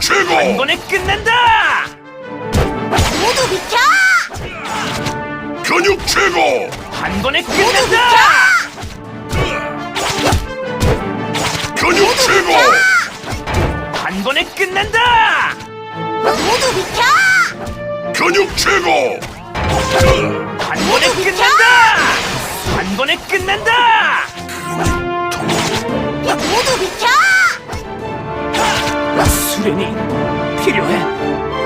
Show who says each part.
Speaker 1: 최고!
Speaker 2: 한 번에 끝낸다!
Speaker 3: 모두 비켜!
Speaker 1: 근육 최고!
Speaker 2: 한 번에
Speaker 3: 모두
Speaker 2: 끝낸다!
Speaker 1: 근육 최고!
Speaker 2: 한 번에 끝낸다!
Speaker 3: 모두 비켜!
Speaker 1: 근육 최고!
Speaker 2: 한 번에 끝낸다! 한 번에 끝낸다!
Speaker 3: 모두 비켜!
Speaker 2: 수련이 필요해.